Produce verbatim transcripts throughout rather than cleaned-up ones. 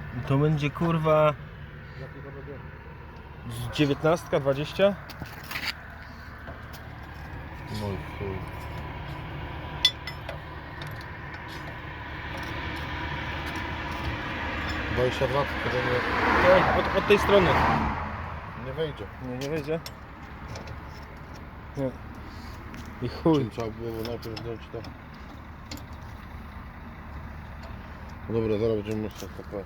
To będzie kurwa z dziewiętnastka, dwadzieścia. No i chuj. dwadzieścia dwa, tylko nie, Ej, od, od tej strony. nie wejdzie. Nie, nie wejdzie. Nie. I chuj. Czyli trzeba było najpierw zdjąć to. No dobra, zaraz będziemy myśleć tak.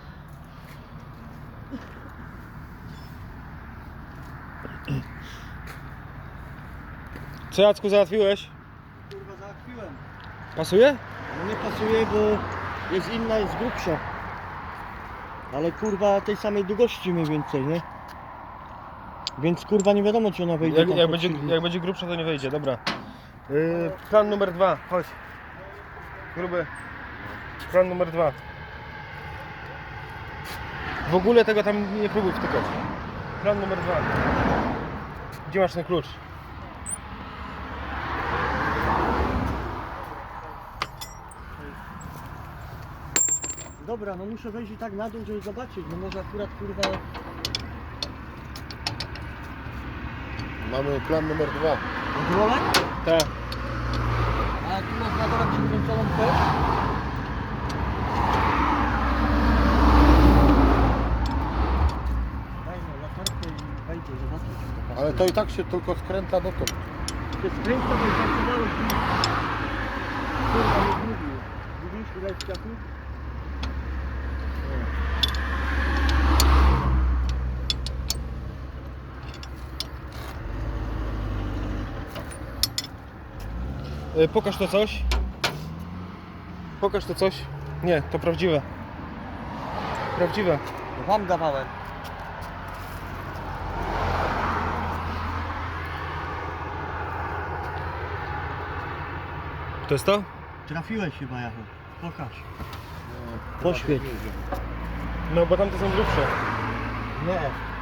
Co, Jacku, załatwiłeś? Kurwa, załatwiłem. Pasuje? No nie pasuje, bo jest inna, jest grubsza. Ale kurwa tej samej długości mniej więcej, nie? Więc kurwa nie wiadomo, czy ona wejdzie Jak, tam jak, pod będzie, silnik. jak będzie grubsza, to nie wejdzie, dobra. Yy, plan numer dwa, chodź. Gruby. Plan numer dwa. W ogóle tego tam nie próbuj wtykać. Plan numer dwa. Gdzie masz ten klucz? Dobra, no muszę wejść i tak na dół, żeby zobaczyć, no może akurat kurwa... Mamy plan numer dwa. Odrolek? Tak. A tu masz na dole przykręconą też? Daj no, latarkę i wejdzie, zobaczmy czy to pasuje. Ale to i tak się tylko skręca dotąd. To jest kręca, bo jest zaczynało drzwi. Kurwa nie zgubił. Widzisz ile jest ciachu? Yy, pokaż to coś. Pokaż to coś. Nie, to prawdziwe. Prawdziwe. No wam dawałem. To jest to? Trafiłeś chyba, Jachu. Pokaż. Poświeć. No bo tamte są grubsze. Nie.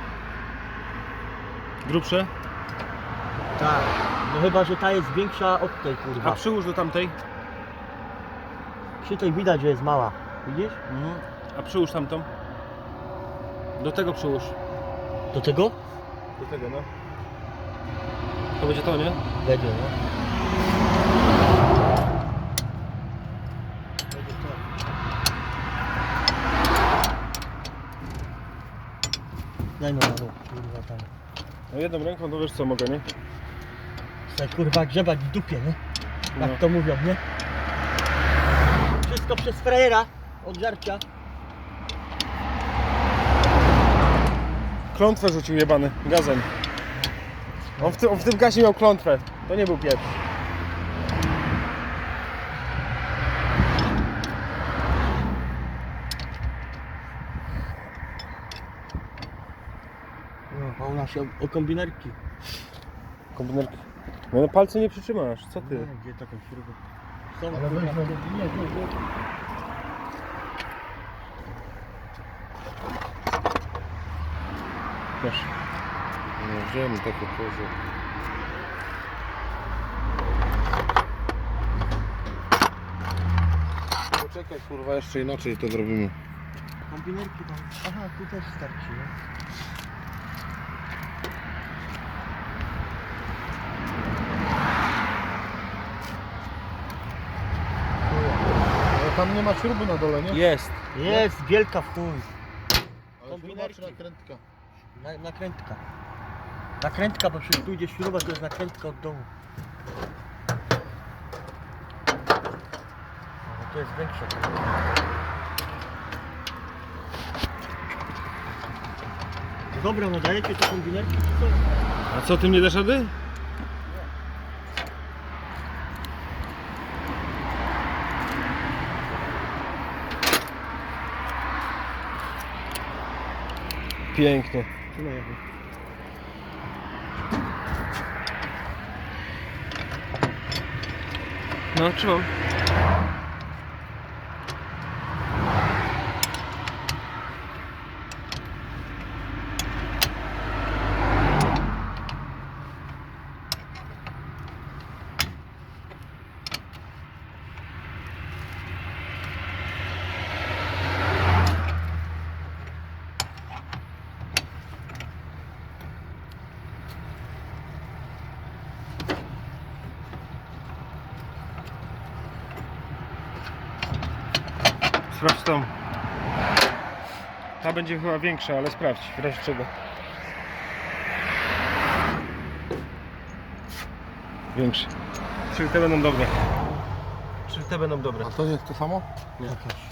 Grubsze? Tak. No chyba, że ta jest większa od tej A kurwa. przyłóż do tamtej. Przy tej widać, że jest mała. Widzisz? Mhm. A przyłóż tamtą. Do tego przyłóż. Do tego? Do tego, no. To będzie to, nie? Będzie, no. Będzie to. Daj no na dół, kurwa tam. No jedną ręką, to wiesz co mogę, nie? Chcę kurwa grzebać w dupie, nie? Jak No. to mówią, nie? Wszystko przez frajera od żarcia. Klątwę rzucił jebany, gazem. On w, tym, on w tym gazie miał klątwę. To nie był pieprz. No, a u nas się o, o kombinerki. Kombinerki. No, no palce nie przytrzymasz, co ty? No, gdzie taką śrubę? Są Ale kurwa, weźmy- nie, nie, nie. Wiesz. No wziąłem takie pozy. Poczekaj kurwa, jeszcze inaczej to zrobimy. Kombinerki tam. Aha, tu też starczy, no. Ale tam nie ma śruby na dole, nie? Jest. Jest, wielka w chuj. Ale kombinerki. śruba czy nakrętka? Na, nakrętka. Nakrętka, bo przecież tu idzie śruba, to jest nakrętka od dołu. No, to jest większa. No dobra, no dajecie te kombinerki czy co? A co, ty nie dasz rady? Pięknie. Trzymaj jakby. No, trzymam. Sprawdź tą. Ta będzie chyba większa, ale sprawdź, w razie czego. Większy. Czyli te będą dobre. Czyli te będą dobre. A to jest to samo? Nie.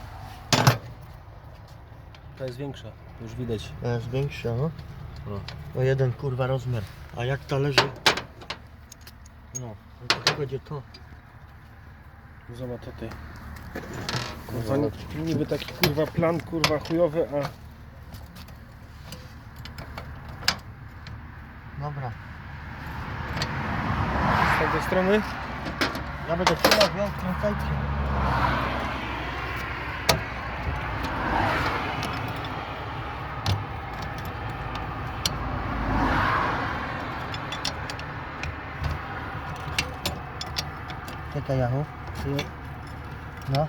Ta jest większa, już widać. To jest większa, no. No. O jeden kurwa rozmiar. A jak ta leży? No, no to będzie to. Zobacz tutaj. Kurwa, ni- niby taki kurwa plan, kurwa chujowy, a Dobra. z tamtej strony Ja będę trzymał, ją kręcajcie. Czekaj, Jachu. No.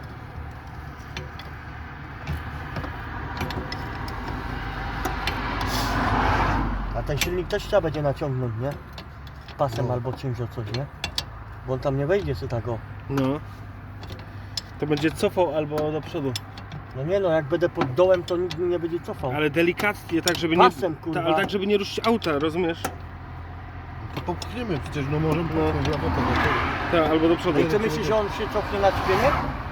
A ten silnik też trzeba będzie naciągnąć, nie? Pasem No. albo czymś o coś, nie? Bo on tam nie wejdzie sobie tak o. no to będzie cofał albo do przodu. No nie no, jak będę pod dołem, to nikt mi nie będzie cofał. Ale delikatnie, tak żeby nie. Pasem, kurwa. Ta, ale tak żeby nie ruszyć auta, rozumiesz? To popchniemy przecież, no możemy No. popchnąć no. do tego. Tak, albo do przodu. No i ty myślisz, że on się cofnie na ćpienie?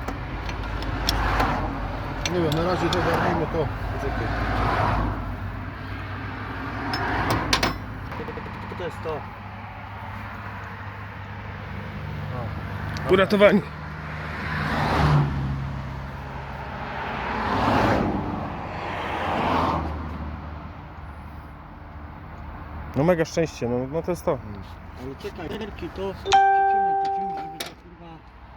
Nie wiem, na razie to zajmijmy to. Poczekaj. To jest to. Uratowani. No mega szczęście, no, no to jest to. Ale czekaj, nerki to przytrzymaj to czymś, żeby to kurwa...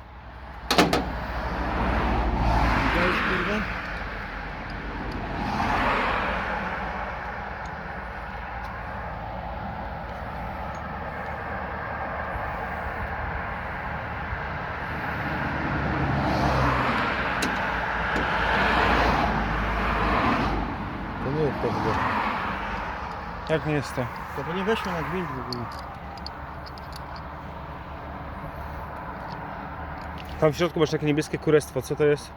Widziałeś kurwa? To nie jest to w ogóle. Jak nie jest to? To by nie weszło na gwint w ogóle. Tam w środku masz takie niebieskie kurestwo, co to jest?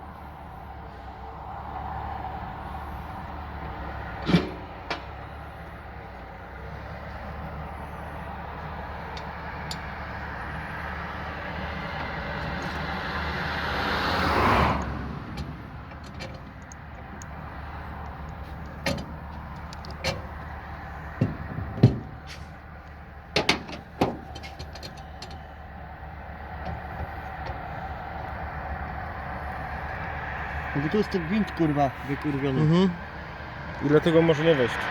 No bo tu jest ten gwint kurwa wykurwiony. Mhm. I dlatego może nie wejść.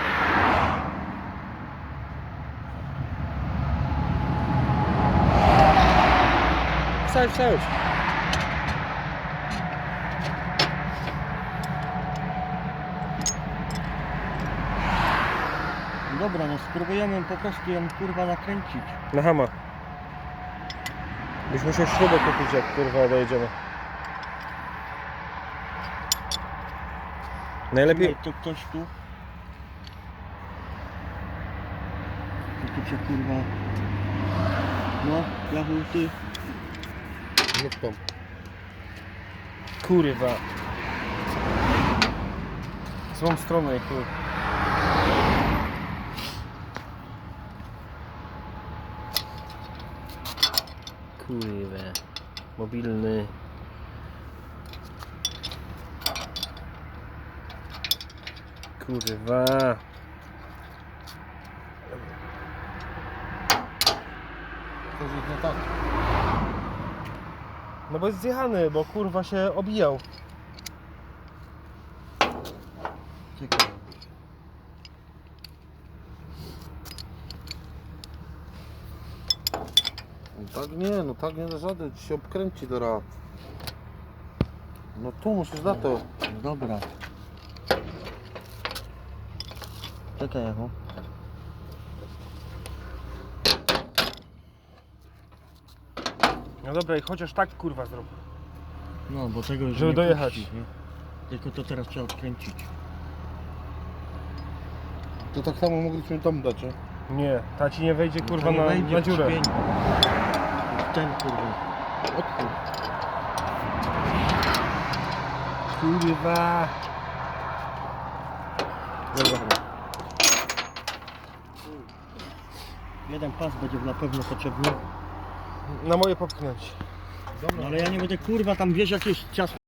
Wstać, wstać. Dobra, no spróbujemy po prostu ją kurwa nakręcić. Na hama. Byś musiał śrubę kupić, jak kurwa dojedziemy. Najlepiej. To ktoś tu. To tu cię kurwa. No, Jachu, ty. No w tą. Kurwa. Złą stronę, kurwa. Kurwa. Mobilny. Kurwa. To jest nie tak. No bo jest zjechany, bo kurwa się obijał. Czekaj. No tak nie, no tak nie da rady, ci się obkręci teraz. No tu musisz na to. No dobra. Czekaj, Jachu. No dobra, i chociaż tak kurwa zrób. No, bo tego już Żeby nie dojechać. puści, nie? Tylko to teraz trzeba odkręcić. To tak samo mogliśmy tam dać, nie? Nie, ta ci nie wejdzie kurwa To nie na, wejdzie na w dziurę. ćpień. W ten kurwa. Odchód. Kurwa. Dobra. Jeden pas będzie na pewno potrzebny. Na moje popchnąć. No ale ja nie będę kurwa tam wiesz jakieś ciasto